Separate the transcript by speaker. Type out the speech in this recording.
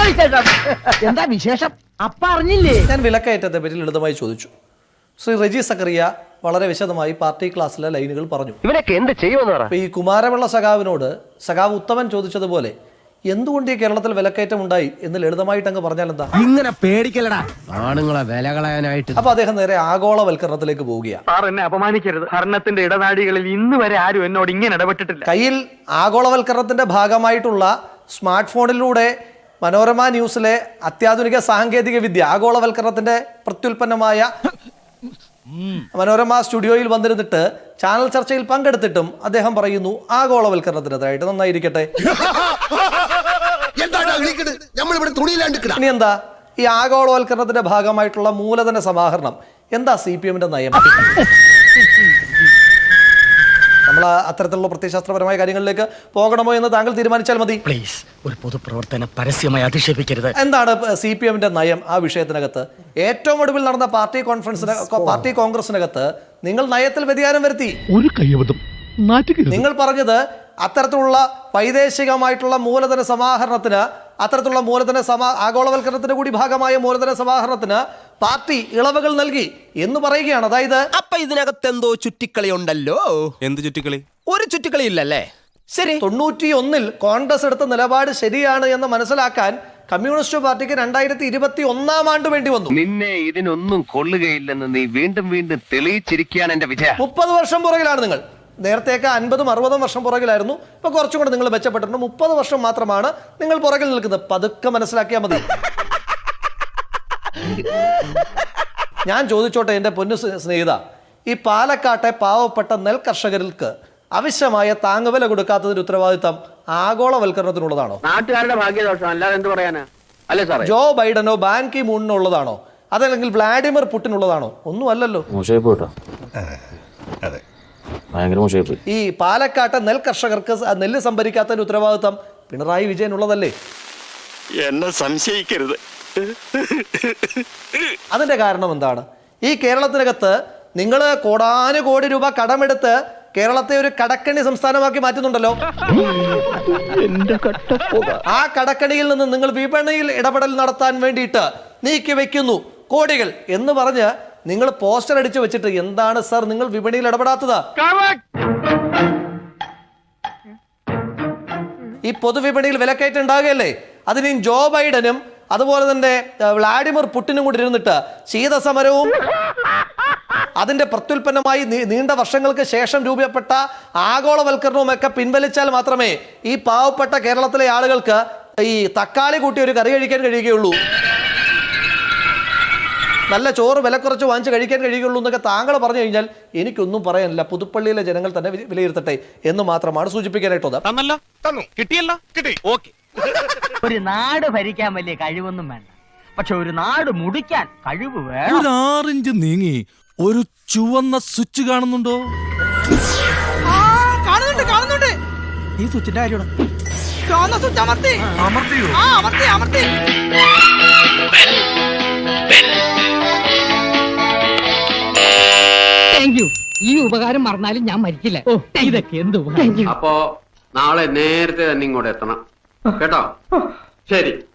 Speaker 1: എന്താ വിശേഷം? അപ്പ അറിഞ്ഞില്ലേ?
Speaker 2: ഞാൻ വിലക്കയറ്റത്തെ പറ്റി ലളിതമായി ചോദിച്ചു. ശ്രീ റെജി സക്കറിയ വളരെ വിശദമായി പാർട്ടി ക്ലാസ്സിലെ ലൈനുകൾ പറഞ്ഞു.
Speaker 3: ഇവനൊക്കെ എന്ത് ചെയ്യുമെന്ന്
Speaker 2: ഈ കുമാരപിള്ള സഖാവിനോട് സഖാവ് ഉത്തമൻ ചോദിച്ചതുപോലെ എന്തുകൊണ്ട് ഈ കേരളത്തിൽ വിലക്കയറ്റം ഉണ്ടായി എന്ന് ലളിതമായിട്ട് അങ്ങ് പറഞ്ഞാൽ എന്താ?
Speaker 1: ഇങ്ങനെ പേടിക്കലടാ ആണുങ്ങളെ വില കളയാനായിട്ട്.
Speaker 2: അപ്പൊ അദ്ദേഹം നേരെ ആഗോളവൽക്കരണത്തിലേക്ക് പോവുകയാണ്.
Speaker 4: സാർ എന്നെ അപമാനിക്കരുത്. ഭരണത്തിന്റെ ഇടനാഴികളിൽ ഇന്ന് വരെ ആരും എന്നോട് ഇങ്ങനെ ഇടപെട്ടിട്ടില്ല.
Speaker 2: കയ്യിൽ ആഗോളവൽക്കരണത്തിന്റെ ഭാഗമായിട്ടുള്ള സ്മാർട്ട് ഫോണിലൂടെ മനോരമ ന്യൂസിലെ അത്യാധുനിക സാങ്കേതിക വിദ്യ ആഗോളവൽക്കരണത്തിന്റെ പ്രത്യുൽപ്പന്നമായ മനോരമ സ്റ്റുഡിയോയിൽ വന്നിരുന്നിട്ട് ചാനൽ ചർച്ചയിൽ പങ്കെടുത്തിട്ടും അദ്ദേഹം പറയുന്നു ആഗോളവൽക്കരണത്തിനെതിരായിട്ട് നന്നായിരിക്കട്ടെ. ഇനി എന്താ ഈ ആഗോളവൽക്കരണത്തിന്റെ ഭാഗമായിട്ടുള്ള മൂലധന സമാഹരണം എന്താ CPM-ന്റെ നയം? നമ്മൾ അത്തരത്തിലുള്ള പ്രത്യയശാസ്ത്രപരമായ കാര്യങ്ങളിലേക്ക് പോകണമോ എന്ന് താങ്കൾ തീരുമാനിച്ചാൽ മതി.
Speaker 1: പ്ലീസ്, ഒരു പൊതുപ്രവർത്തനം പരസ്യമായി അധിക്ഷേപിക്കരുത്.
Speaker 2: എന്താണ് CPM-ന്റെ നയം ആ വിഷയത്തിനകത്ത്? ഏറ്റവും ഒടുവിൽ നടന്ന പാർട്ടി കോൺഗ്രസിനകത്ത് നിങ്ങൾ നയത്തിൽ വ്യതിയാനം വരുത്തി.
Speaker 5: ഒരു കയ്യബദ്ധം.
Speaker 2: നിങ്ങൾ പറഞ്ഞത് അത്തരത്തിലുള്ള വൈദേശികമായിട്ടുള്ള മൂലധന സമാഹരണത്തിന് ആഗോളവൽക്കരണത്തിന്റെ കൂടി ഭാഗമായ മൂലധന സമാഹരണത്തിന് പാർട്ടി ഇളവുകൾ നൽകി എന്ന് പറയുകയാണ്. അതായത്
Speaker 6: അപ്പൊ ഇതിനകത്ത് എന്തോ ചുറ്റിക്കളി ഉണ്ടല്ലോ.
Speaker 7: എന്ത് ചുറ്റിക്കളി?
Speaker 6: ഒരു ചുറ്റിക്കളി ഇല്ലല്ലേ? ശരി,
Speaker 2: 91-ൽ കോൺഗ്രസ് എടുത്ത നിലപാട് ശരിയാണ് എന്ന് മനസ്സിലാക്കാൻ കമ്മ്യൂണിസ്റ്റ് പാർട്ടിക്ക് 2021 ആണ്ട് വേണ്ടി വന്നു.
Speaker 3: നിന്നെ ഇതിനൊന്നും കൊള്ളുകയില്ലെന്ന് നീ വീണ്ടും വീണ്ടും തെളിയിച്ചിരിക്കുകയാണ് എന്റെ വിജയ.
Speaker 2: 30 വർഷം പുറകിലാണ് നിങ്ങൾ. നേരത്തെയൊക്കെ 50-60 വർഷം പുറകിലായിരുന്നു. ഇപ്പൊ കുറച്ചും കൂടെ നിങ്ങൾ മെച്ചപ്പെട്ടിട്ടുണ്ട്. 30 വർഷം മാത്രമാണ് നിങ്ങൾ പുറകിൽ നിൽക്കുന്നത്. പതുക്കെ മനസ്സിലാക്കിയാൽ മതി. ഞാൻ ചോദിച്ചോട്ടെ എന്റെ പൊന്നു സ്നേഹിത, ഈ പാലക്കാട്ടെ പാവപ്പെട്ട നെൽ കർഷകർക്ക് ആവശ്യമായ താങ്ങുവില കൊടുക്കാത്തതിന്റെ ഉത്തരവാദിത്തം ആഗോളവൽക്കരണത്തിനുള്ളതാണോ?
Speaker 4: നാട്ടുകാരുടെ ഭാഗ്യദോഷം, അല്ലാതെ എന്ത് പറയാനാ? അല്ലേ സാറേ?
Speaker 2: ജോ ബൈഡനോ ബാൻ കി മൂണിനോ ഉള്ളതാണോ? അതല്ലെങ്കിൽ വ്ളാഡിമിർ പുടിനുള്ളതാണോ? ഒന്നും അല്ലല്ലോ. ഈ പാലക്കാട്ടെ നെൽ കർഷകർക്ക് നെല്ല് സംഭരിക്കാത്തതിന്റെ ഉത്തരവാദിത്തം പിണറായി വിജയനുള്ളതല്ലേ?
Speaker 8: എന്നെ സംശയിക്കരുത്.
Speaker 2: അതിന്റെ കാരണം എന്താണ്? ഈ കേരളത്തിനകത്ത് നിങ്ങൾ കോടാനുകോടി രൂപ കടമെടുത്ത് കേരളത്തെ ഒരു കടക്കണി സംസ്ഥാനമാക്കി മാറ്റുന്നുണ്ടല്ലോ. ആ കടക്കണിയിൽ നിന്ന് നിങ്ങൾ വിപണിയിൽ ഇടപെടൽ നടത്താൻ വേണ്ടിയിട്ട് നീക്കി വെക്കുന്നു കോടികൾ എന്ന് പറഞ്ഞ് നിങ്ങൾ പോസ്റ്റർ അടിച്ചു വെച്ചിട്ട് എന്താണ് സർ നിങ്ങൾ വിപണിയിൽ ഇടപെടാത്തത്? ഈ പൊതുവിപണിയിൽ വിലക്കയറ്റം ഉണ്ടാകുകയല്ലേ? അതിന് ജോ ബൈഡനും അതുപോലെ തന്നെ വ്ളാഡിമിർ പുടിനും കൂടി ഇരുന്നിട്ട് ശീതസമരവും അതിന്റെ പ്രത്യുൽപ്പന്നമായി നീണ്ട വർഷങ്ങൾക്ക് ശേഷം രൂപപ്പെട്ട ആഗോളവൽക്കരണവും ഒക്കെ പിൻവലിച്ചാൽ മാത്രമേ ഈ പാവപ്പെട്ട കേരളത്തിലെ ആളുകൾക്ക് ഈ തക്കാളി കൂട്ടി ഒരു കറി കഴിക്കാൻ കഴിയുകയുള്ളൂ, നല്ല ചോറ് വില കുറച്ച് വാങ്ങിച്ച് കഴിക്കാൻ കഴിയുകയുള്ളൂ എന്നൊക്കെ താങ്കൾ പറഞ്ഞു കഴിഞ്ഞാൽ എനിക്കൊന്നും പറയാനില്ല. പുതുപ്പള്ളിയിലെ ജനങ്ങൾ തന്നെ വിലയിരുത്തട്ടെ എന്ന് മാത്രമാണ് സൂചിപ്പിക്കാനായിട്ടുള്ളത്.
Speaker 1: ഒരു നാട് ഭരിക്കാൻ വലിയ കഴിവൊന്നും വേണ്ട, പക്ഷെ ഒരു നാട് മുടിക്കാൻ കഴിവ് വേണം.
Speaker 5: ഒരു 6 ഇഞ്ച് നീങ്ങി ഒരു ചുവന്ന സ്വിച്ച് കാണുന്നുണ്ടോ?
Speaker 1: കാണുന്നുണ്ട്. ഈ സ്വിച്ചിന്റെ കാര്യമാണ്. ഈ ഉപകാരം മറന്നാലും ഞാൻ മരിക്കില്ല. ഇതൊക്കെ എന്ത്?
Speaker 4: അപ്പോ നാളെ നേരത്തെ തന്നെ ഇങ്ങോട്ട് എത്തണം കേട്ടോ? ശരി.